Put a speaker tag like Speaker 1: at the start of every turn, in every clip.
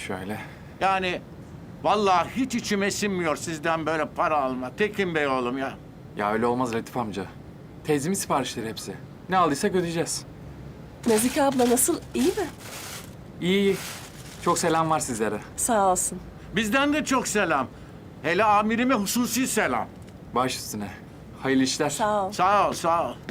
Speaker 1: Şöyle.
Speaker 2: Yani vallahi hiç içime sinmiyor sizden böyle para alma. Tekin Bey oğlum ya.
Speaker 1: Ya öyle olmaz Latif amca. Teyzemin siparişleri hepsi. Ne aldıysak ödeyeceğiz.
Speaker 3: Nazike abla nasıl? İyi mi?
Speaker 1: İyi iyi. Çok selam var sizlere.
Speaker 3: Sağ olsun.
Speaker 2: Bizden de çok selam. Hele amirime hususi selam.
Speaker 1: Baş üstüne. Hayırlı işler.
Speaker 3: Sağ ol.
Speaker 2: Sağ ol, sağ ol.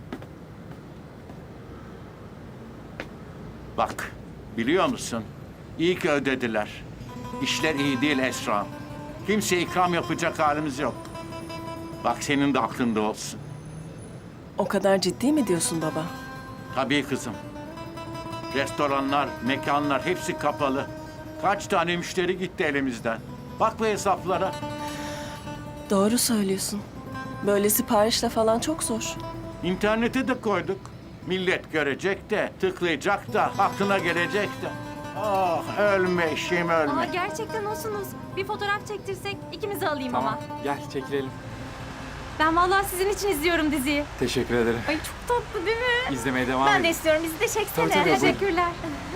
Speaker 2: Bak, biliyor musun? İyi ki ödediler. İşler iyi değil Esra. Kimseye ikram yapacak halimiz yok. Bak senin de aklında olsun.
Speaker 3: O kadar ciddi mi diyorsun baba?
Speaker 2: Tabii kızım. Restoranlar, mekanlar hepsi kapalı. Kaç tane müşteri gitti elimizden. Bak bu hesaplara.
Speaker 3: Doğru söylüyorsun. Böyle siparişle falan çok zor.
Speaker 2: İnternete de koyduk. Millet görecek de, tıklayacak da, aklına gelecek de. Ah ölme eşeğim ölme.
Speaker 4: Aa, gerçekten olsunuz. Bir fotoğraf çektirsek ikimizi alayım
Speaker 1: Tamam.
Speaker 4: ama.
Speaker 1: Gel çekilelim.
Speaker 4: Ben vallahi sizin için izliyorum diziyi.
Speaker 1: Teşekkür ederim.
Speaker 4: Ay çok tatlı değil mi?
Speaker 1: İzlemeye devam
Speaker 4: Ben
Speaker 1: edin.
Speaker 4: de istiyorum. Bizi de çeksene.
Speaker 1: Tabii, tabii, buyurun.
Speaker 4: Teşekkürler.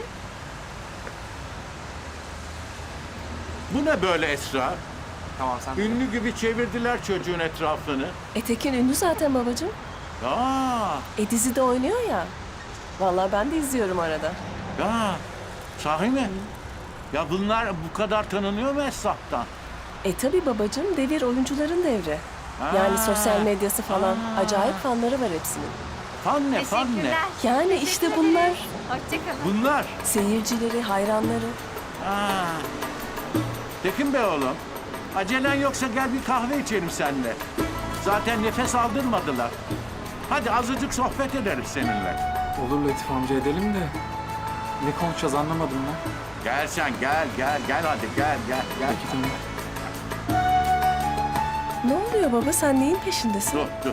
Speaker 2: Bu ne böyle Esra?
Speaker 1: Tamam sen.
Speaker 2: Ünlü gibi çevirdiler çocuğun etrafını.
Speaker 3: Tekin ünlü zaten babacığım. Dizide oynuyor ya. Vallahi ben de izliyorum arada.
Speaker 2: Ya, sahi mi? Ya bunlar bu kadar tanınıyor mu Esra'dan?
Speaker 3: Tabii babacığım, devir oyuncuların devri. Yani sosyal medyası falan. Acayip fanları var hepsinin.
Speaker 2: Fan ne, fan ne?
Speaker 4: Teşekkürler.
Speaker 3: Yani işte bunlar
Speaker 4: Hoşçakalın.
Speaker 2: Bunlar.
Speaker 3: seyircileri, hayranları.
Speaker 2: Ha. Tekin Bey oğlum, acelen yoksa gel bir kahve içelim seninle. Zaten nefes aldırmadılar. Hadi azıcık sohbet edelim seninle.
Speaker 1: Olur Latif amca edelim de. Ne konuşacağız anlamadım ben.
Speaker 2: Gel sen, gel hadi gel.
Speaker 1: Peki tamam.
Speaker 3: Ne oluyor baba? Sen neyin peşindesin?
Speaker 2: Dur.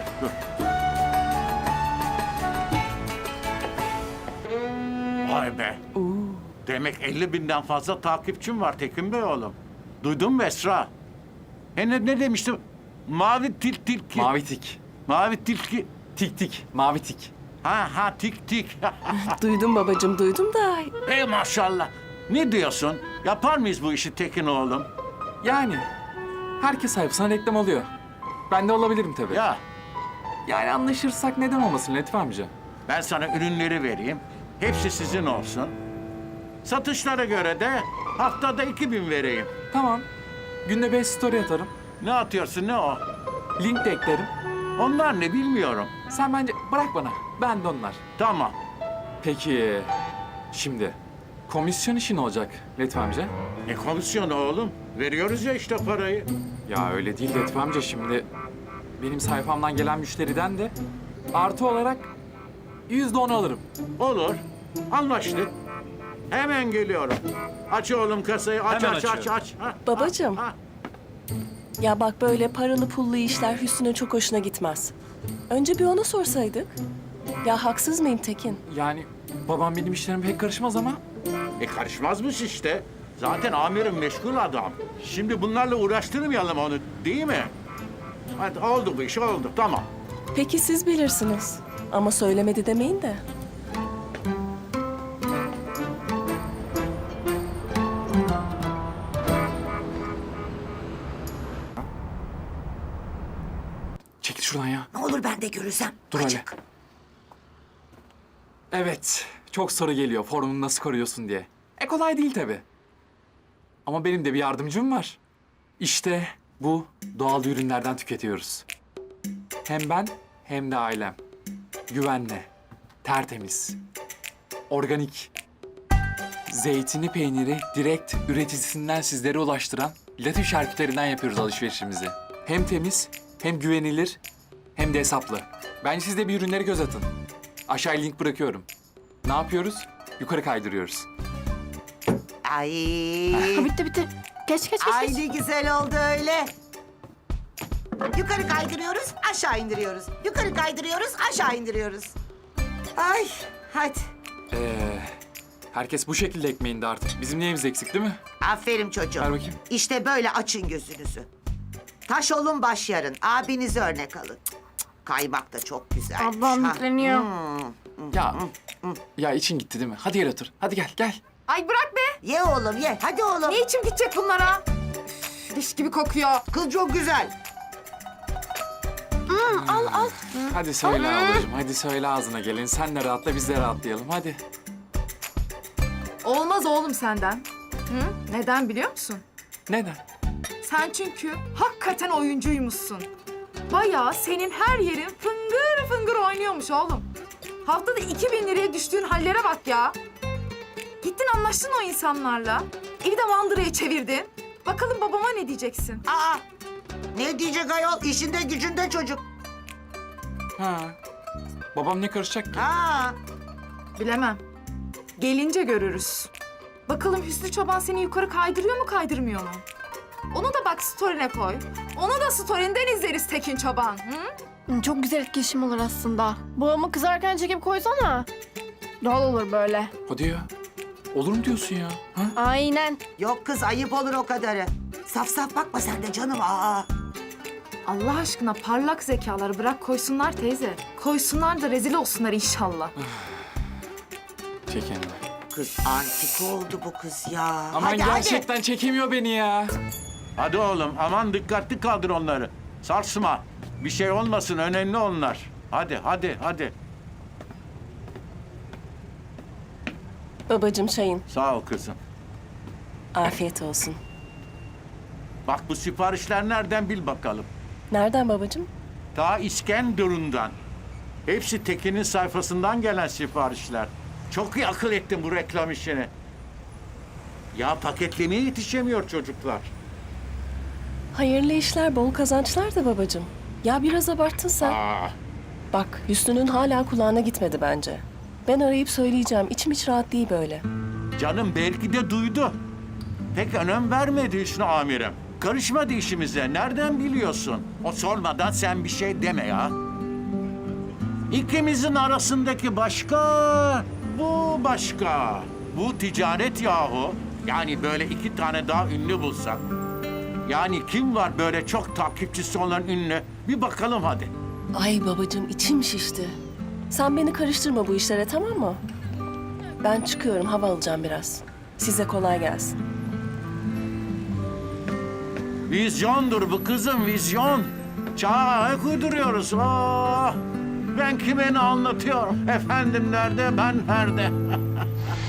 Speaker 2: Vay be. Demek 50.000'den fazla takipçim var Tekin Bey oğlum. Duydun mu Esra? Ne demiştim? Mavi tilki.
Speaker 1: Mavi tik.
Speaker 2: Mavi tilki.
Speaker 1: Tik tik. Mavi tik.
Speaker 2: Ha tik.
Speaker 3: Duydum babacığım, duydum da.
Speaker 2: Ey maşallah. Ne diyorsun? Yapar mıyız bu işi Tekin oğlum?
Speaker 1: Yani herkes sayfasına reklam oluyor. Ben de olabilirim tabii.
Speaker 2: Ya
Speaker 1: Yani anlaşırsak neden olmasın Latif amca?
Speaker 2: ben sana ürünleri vereyim. Hepsi sizin olsun. Satışlara göre de haftada 2.000 vereyim.
Speaker 1: Tamam. Günde 5 story atarım.
Speaker 2: Ne atıyorsun ne o?
Speaker 1: Link de eklerim.
Speaker 2: Onlar ne bilmiyorum.
Speaker 1: Sen bence bırak bana. Ben de onlar.
Speaker 2: Tamam.
Speaker 1: Peki şimdi komisyon işi ne olacak Latif amca?
Speaker 2: Ne komisyonu oğlum? Veriyoruz ya işte parayı.
Speaker 1: Ya öyle değil Latif amca şimdi. Benim sayfamdan gelen müşteriden de artı olarak %10 alırım.
Speaker 2: Olur. Anlaştık. Hemen geliyorum. Aç oğlum kasayı. Aç. Ha,
Speaker 3: Babacığım.
Speaker 2: ha.
Speaker 3: Ya bak böyle paralı pullu işler Hüsnü'nün çok hoşuna gitmez. Önce bir ona sorsaydık. Ya haksız mıyım Tekin?
Speaker 1: Yani babam benim işlerime pek karışmaz ama
Speaker 2: Karışmazmış işte. Zaten amirim meşgul adam. Şimdi bunlarla uğraştırmayalım onu değil mi? Hadi oldu bu iş oldu. Tamam.
Speaker 3: Peki siz bilirsiniz. Ama söylemedi demeyin de.
Speaker 1: çekil şuradan ya.
Speaker 5: Ne olur ben de görürsem.
Speaker 1: Dur hele.
Speaker 5: Açık.
Speaker 1: Evet, çok soru geliyor formunu nasıl koruyorsun diye. Kolay değil tabii. Ama benim de bir yardımcım var. İşte bu doğal ürünlerden tüketiyoruz. Hem ben hem de ailem. Güvenle, tertemiz, organik. Zeytini peyniri direkt üreticisinden sizlere ulaştıran Latif şarküterinden yapıyoruz alışverişimizi. Hem temiz, hem güvenilir, hem de hesaplı. Bence siz de bir ürünleri göz atın. Aşağıya link bırakıyorum. Ne yapıyoruz? Yukarı kaydırıyoruz.
Speaker 5: Ay.
Speaker 4: Bitti. Geç.
Speaker 5: Ay ne güzel oldu öyle. Yukarı kaydırıyoruz, aşağı indiriyoruz. Yukarı kaydırıyoruz, aşağı indiriyoruz. Ay, hadi.
Speaker 1: Herkes bu şekilde ekmeğinde artık. Bizim neyimiz eksik değil mi?
Speaker 5: Aferin çocuğum.
Speaker 1: Ver bakayım.
Speaker 5: İşte böyle açın gözünüzü. Taş olun baş yarın. Abinizi örnek alın. Cık, cık, kaymak da çok güzel.
Speaker 4: Ablam yükleniyor.
Speaker 1: Ya, ya için gitti değil mi? Hadi gel otur. Hadi gel.
Speaker 4: Ay bırak be.
Speaker 5: Ye oğlum ye. Hadi oğlum.
Speaker 6: Ne içim gidecek bunlara? Üf, leş gibi kokuyor.
Speaker 5: Kız çok güzel.
Speaker 3: Al.
Speaker 1: Hadi söyle ablacığım, hadi söyle ağzına gelin. Sen de rahatla, biz de rahatlayalım. Hadi.
Speaker 6: Olmaz oğlum senden. Hı? Neden biliyor musun?
Speaker 1: Neden?
Speaker 6: Sen çünkü hakikaten oyuncuymuşsun. Bayağı senin her yerin fıngır fıngır oynuyormuş oğlum. Haftada 2000 liraya düştüğün hallere bak ya. Gittin anlaştın o insanlarla. Evi de mandıraya çevirdin. Bakalım babama ne diyeceksin?
Speaker 5: Aa, ne diyecek ayol? İşinde gücünde çocuk.
Speaker 1: Ha. Babam ne karışacak ki?
Speaker 5: Ha.
Speaker 6: Bilemem. Gelince görürüz. Bakalım Hüsnü Çoban seni yukarı kaydırıyor mu kaydırmıyor mu? Onu da bak story'ne koy. Onu da story'inden izleriz Tekin Çoban. Hı?
Speaker 7: Çok güzel etkileşim olur aslında. Babamı kızarken çekip koysana. Doğal olur böyle.
Speaker 1: Hadi ya. Olur mu diyorsun ya? Ha?
Speaker 7: Aynen.
Speaker 5: Yok kız ayıp olur o kadarı. Saf saf bakma sen de canım. Aa.
Speaker 6: Allah aşkına parlak zekaları bırak koysunlar teyze. Koysunlar da rezil olsunlar inşallah.
Speaker 1: Çek kendini.
Speaker 5: Kız antik oldu bu kız ya.
Speaker 1: Aman
Speaker 5: hadi,
Speaker 1: gerçekten çekemiyor beni ya.
Speaker 2: Hadi oğlum aman dikkatli kaldır onları. Sarsma. Bir şey olmasın önemli onlar. Hadi.
Speaker 3: Babacığım çayın.
Speaker 2: Sağ ol kızım.
Speaker 3: Afiyet olsun.
Speaker 2: Bak bu siparişler nereden bil bakalım.
Speaker 3: Nereden babacığım?
Speaker 2: Ta İskenderun'dan. Hepsi Tekin'in sayfasından gelen siparişler. Çok iyi akıl ettin bu reklam işini. Ya paketlemeye yetişemiyor çocuklar.
Speaker 3: Hayırlı işler, bol kazançlar da babacığım. Ya biraz abarttın sen.
Speaker 2: Aa,
Speaker 3: Bak Hüsnü'nün hala kulağına gitmedi bence. Ben arayıp söyleyeceğim. İçim hiç rahat değil böyle.
Speaker 2: canım belki de duydu. Pek önem vermedi Hüsnü amirim. Karışmadı işimize. Nereden biliyorsun? O sormadan sen bir şey deme ya. İkimizin arasındaki başka, bu başka. Bu ticaret yahu. Yani böyle 2 tane daha ünlü bulsak. Yani kim var böyle çok takipçisi olan ünlü? Bir bakalım hadi.
Speaker 3: Ay babacığım içim şişti. Sen beni karıştırma bu işlere tamam mı? Ben çıkıyorum hava alacağım biraz. Size kolay gelsin.
Speaker 2: Vizyondur bu kızım, vizyon. Çağa ayak uyduruyoruz. Oh, ben kime ne anlatıyorum? Efendim nerede, ben nerede?